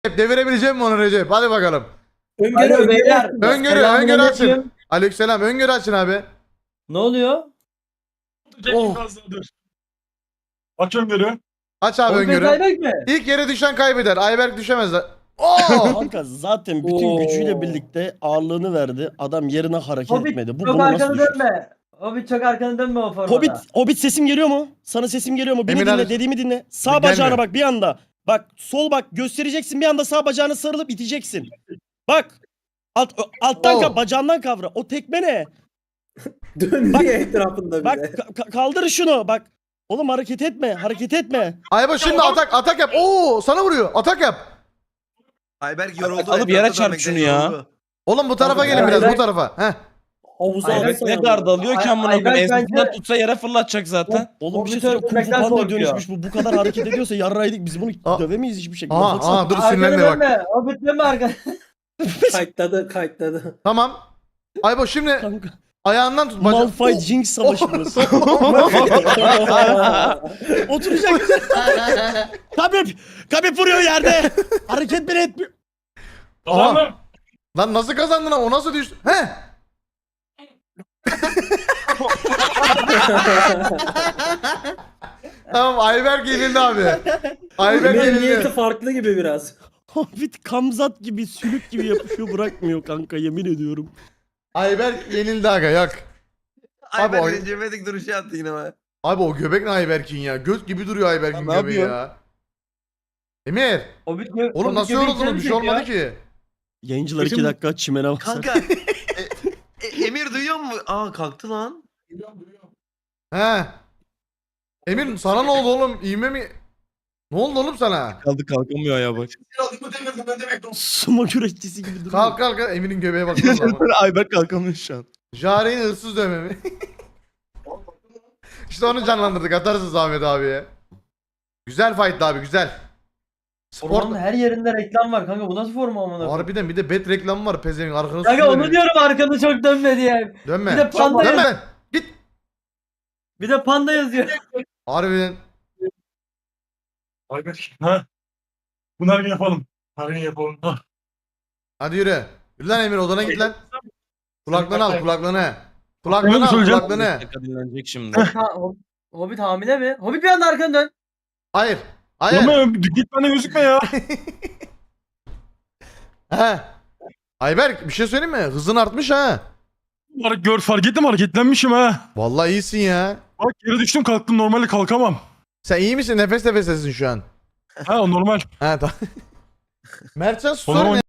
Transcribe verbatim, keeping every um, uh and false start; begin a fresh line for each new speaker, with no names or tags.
Devirebileceğim mi onu Recep? Hadi bakalım.
Öngörü
Alo beyler.
Öngörü,
Selamünaleyküm.
öngörü açın. Aleykümselam, öngörü açın abi.
Ne oluyor?
Oh.
Aç öngörü.
Aç abi
Oğlum
öngörü.
Ayberk mi?
İlk yere düşen kaybeder. Ayberk düşemez. de- Oo!
Kanka zaten bütün
Oo.
gücüyle birlikte ağırlığını verdi. Adam yerine hareket
Hobbit
etmedi. Bu
çok
bunu nasıl
arkanı
düşür?
dönme. Hobbit çok arkanı dönme o formada.
Hobbit, Hobbit sesim geliyor mu? Sana sesim geliyor mu? Beni
Emin
dinle,
abi-
dediğimi dinle. Sağ
Gelmiyor.
bacağına bak bir anda. Bak sol bak göstereceksin bir anda sağ bacağını sarılıp iteceksin. Bak. Alt, alttan
Oh.
kap, bacağından kavra. O tekme ne?
Dönüyor etrafında bir
Bak
de.
ka- ka- kaldır şunu bak. Oğlum hareket etme, hareket etme.
Ayba şimdi atak atak yap. Oo, sana vuruyor. Atak yap.
Ayberk yoruldu.
Alıp yere
etrafta
çarp
dönmekten
şunu ya.
yoruldu.
Oğlum bu tarafa gelin biraz, bu tarafa. Heh.
Havuza
Ayberk
alsana
Ne
ya.
gardı alıyor ki
Ay-
amına
Ayberk
koyayım. Ensesinden
bence-
tutsa yere fırlatacak zaten.
Oğlum bir şey
Hobbit
söyleyeyim. Kung Fu
öldürmekten
Panda'ya
korkuyor.
dönüşmüş bu. Bu kadar hareket ediyorsa yarraydık. Biz bunu
Aa.
dövemeyiz hiçbir şekilde.
Aha,
Baksana.
aha dur
Arkanı
sinirlenme bak.
dönme. Hobbit dönme arkanı.
Kayıtladı kayıtladı.
Tamam. Ayba şimdi
Kanka.
ayağından tut. baca-
Malphite Jinx savaşı burası. Oturacak. Kabip. Kabip vuruyor yerde. Hareket bile etmiyor.
Aha. Lan nasıl kazandın lan? O nasıl düştü? He? Tamam Ayberk yenildi abi. Ayberk
Benim niyeti
yenildi.
farklı gibi biraz.
Hobbit kamzat gibi sülük gibi yapışıyor bırakmıyor kanka yemin ediyorum.
Ayberk yenildi aga yak. Abi
Ayberk
oy-
Recep İvedik duruşu attı yine bana.
Abi o göbek ne Ayberk'in ya? Göz gibi duruyor Ayberk'in
Ne
göbeği
yapıyor?
ya. Emir.
Hobbit gö-
Oğlum
Hobbit
nasıl
göbeği
yoruldunuz? Bir şey
çekmiyor.
olmadı ki.
Yayıncılar iki
Bizim-
dakika çimene basar.
Kanka. e, e, Emir duyuyor mu? Aa kalktı lan.
He. Emir sana ne oldu oğlum? İğme mi? Ne oldu oğlum sana?
Kaldı kalkamıyor ya bak.
Sumo güreşçisi gibi duruyor.
Kalk kalk kalk. Emir'in göbeğe baksana ama.
Ayberk kalkamıyor şu an.
Jare'nin hırsız dövme mi? İşte onu canlandırdık. Atarsınız Ahmet abiye. Güzel fight abi güzel.
Formanın
Spor.
her yerinde reklam var kanka. Bu nasıl forma amına koyayım?
Harbiden bir de bet reklamı var pezevenk arkanı
Kanka
sıkıyor
onu
beni.
diyorum arkanı çok dönme diye.
Dönme.
Bir de panda
Dönme.
yaz-
Git.
Bir de panda yazıyor.
Harbiden.
Ayberk. Ha? Bunu her gün yapalım. Her gün yapalım. Ha.
Hadi yürü. Yürü lan Emir odana git lan. Kulaklığını al kulaklığını.
Onu
Kulaklığını
mu
al
söyleyeceğim?
kulaklığını.
Dakika dinlenecek şimdi.
Ha, Hob- Hobbit hamile mi? Hobbit bir anda arkanı dön.
Hayır. Hayır.
Ama git bana gözükme ya.
He. Ayberk bir şey söyleyeyim mi? Hızın artmış ha.
Var- Gör fark ettim hareketlenmişim ha.
Vallahi iyisin ya.
Bak yere düştüm kalktım normalde kalkamam.
Sen iyi misin? Nefes nefesesin şu an.
Ha o normal.
Ha tamam. Mertcan
O
susar
zaman
mı?